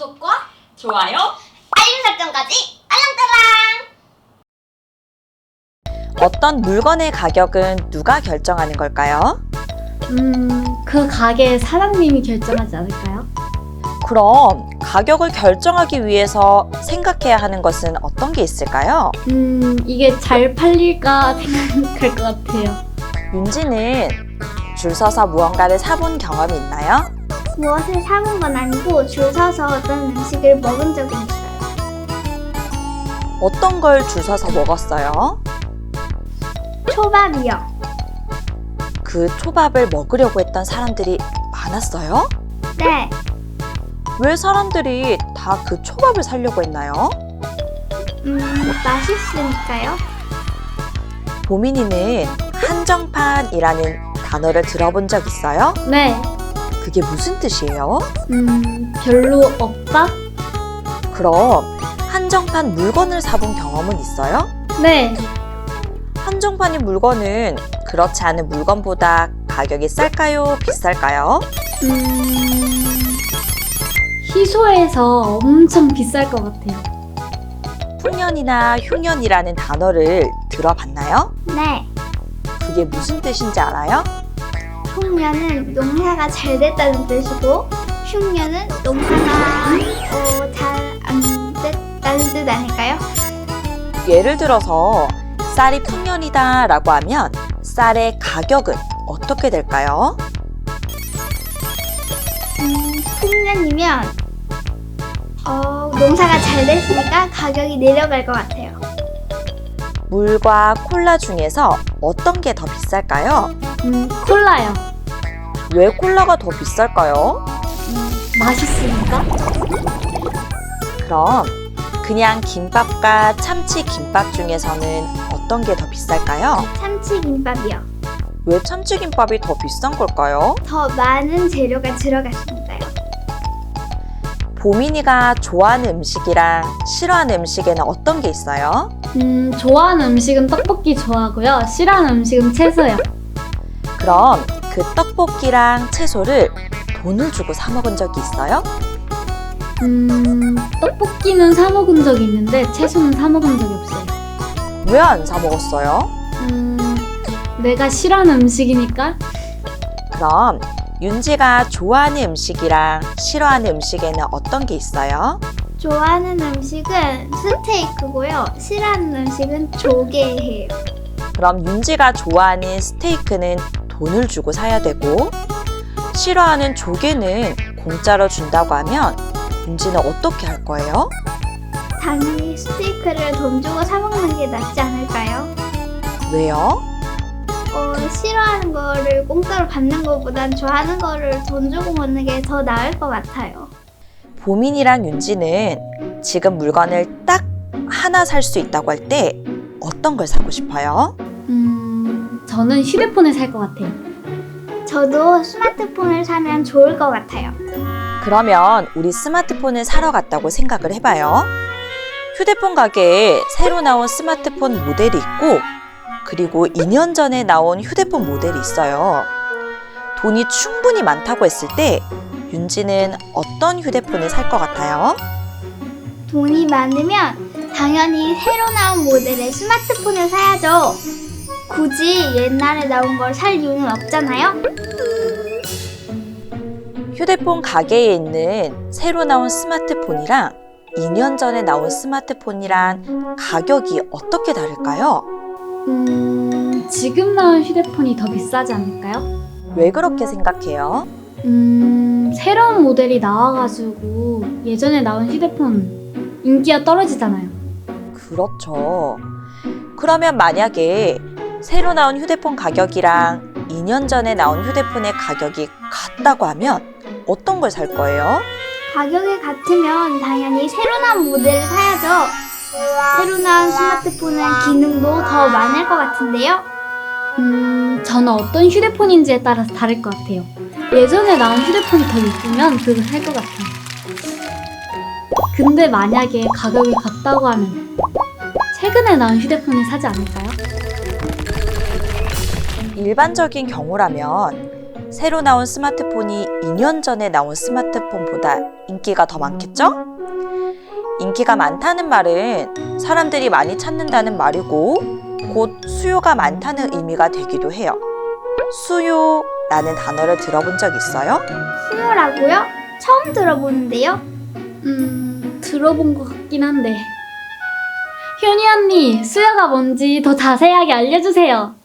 구독과 좋아요, 알림 설정까지 알랑따랑! 어떤 물건의 가격은 누가 결정하는 걸까요? 그 가게 사장님이 결정하지 않을까요? 그럼 가격을 결정하기 위해서 생각해야 하는 것은 어떤 게 있을까요? 이게 잘 팔릴까 생각할 것 같아요. 윤지는 줄 서서 무언가를 사본 경험이 있나요? 무엇을 사본 건 아니고 줄 서서 어떤 음식을 먹은 적은 있어요. 어떤 걸 줄 서서 먹었어요? 초밥이요. 그 초밥을 먹으려고 했던 사람들이 많았어요? 네, 왜 사람들이 다 그 초밥을 사려고 했나요? 맛있으니까요. 보민이는 한정판이라는 단어를 들어본 적 있어요? 네, 그게 무슨 뜻이에요? 별로 없다? 그럼 한정판 물건을 사본 경험은 있어요? 네, 한정판인 물건은 그렇지 않은 물건보다 가격이 쌀까요? 비쌀까요? 희소해서 엄청 비쌀 것 같아요. 풍년이나 흉년이라는 단어를 들어봤나요? 네, 그게 무슨 뜻인지 알아요? 흉년은 농사가 잘 됐다는 뜻이고 흉년은 농사가 잘 안 됐다는 뜻 아닐까요? 예를 들어서 쌀이 풍년이다 라고 하면 쌀의 가격은 어떻게 될까요? 흉년이면 농사가 잘 됐으니까 가격이 내려갈 것 같아요. 물과 콜라 중에서 어떤 게 더 비쌀까요? 콜라요. 왜 콜라가 더 비쌀까요? 맛있으니까? 그럼 그냥 김밥과 참치 김밥 중에서는 어떤 게 더 비쌀까요? 참치김밥이요. 왜 참치김밥이 더 비싼 걸까요? 더 많은 재료가 들어갔으니까요. 보민이가 좋아하는 음식이랑 싫어하는 음식에는 어떤 게 있어요? 좋아하는 음식은 떡볶이 좋아하고요. 싫어하는 음식은 채소요. 그럼 그 떡볶이랑 채소를 돈을 주고 사 먹은 적이 있어요? 떡볶이는 사 먹은 적이 있는데 채소는 사 먹은 적이 없어요. 왜 안 사 먹었어요? 내가 싫어하는 음식이니까. 그럼 윤지가 좋아하는 음식이랑 싫어하는 음식에는 어떤 게 있어요? 좋아하는 음식은 스테이크고요. 싫어하는 음식은 조개예요. 그럼 윤지가 좋아하는 스테이크는 돈을 주고 사야 되고 싫어하는 조개는 공짜로 준다고 하면 윤지는 어떻게 할 거예요? 당연히 스테이크를 돈 주고 사 먹는 게 낫지 않을까요? 왜요? 싫어하는 거를 공짜로 받는 것보단 좋아하는 거를 돈 주고 먹는 게 더 나을 것 같아요. 보민이랑 윤지는 지금 물건을 딱 하나 살 수 있다고 할 때 어떤 걸 사고 싶어요? 저는 휴대폰을 살 것 같아요. 저도 스마트폰을 사면 좋을 것 같아요. 그러면 우리 스마트폰을 사러 갔다고 생각을 해봐요. 휴대폰 가게에 새로 나온 스마트폰 모델이 있고 그리고 2년 전에 나온 휴대폰 모델이 있어요. 돈이 충분히 많다고 했을 때 윤지는 어떤 휴대폰을 살 것 같아요? 돈이 많으면 당연히 새로 나온 모델의 스마트폰을 사야죠. 굳이 옛날에 나온 걸 살 이유는 없잖아요. 휴대폰 가게에 있는 새로 나온 스마트폰이랑 2년 전에 나온 스마트폰이랑 가격이 어떻게 다를까요? 지금 나온 휴대폰이 더 비싸지 않을까요? 왜 그렇게 생각해요? 새로운 모델이 나와가지고 예전에 나온 휴대폰 인기가 떨어지잖아요. 그렇죠. 그러면 만약에 새로 나온 휴대폰 가격이랑 2년 전에 나온 휴대폰의 가격이 같다고 하면 어떤 걸 살 거예요? 가격이 같으면 당연히 새로 나온 모델을 사야죠. 새로 나온 스마트폰은 기능도 더 많을 것 같은데요. 저는 어떤 휴대폰인지에 따라서 다를 것 같아요. 예전에 나온 휴대폰이 더 예쁘면 그걸 살 것 같아요. 근데 만약에 가격이 같다고 하면 최근에 나온 휴대폰을 사지 않을까요? 일반적인 경우라면 새로 나온 스마트폰이 2년 전에 나온 스마트폰보다 인기가 더 많겠죠? 인기가 많다는 말은 사람들이 많이 찾는다는 말이고 곧 수요가 많다는 의미가 되기도 해요. 수요라는 단어를 들어본 적 있어요? 수요라고요? 처음 들어보는데요. 들어본 것 같긴 한데. 효니 언니, 수요가 뭔지 더 자세하게 알려주세요.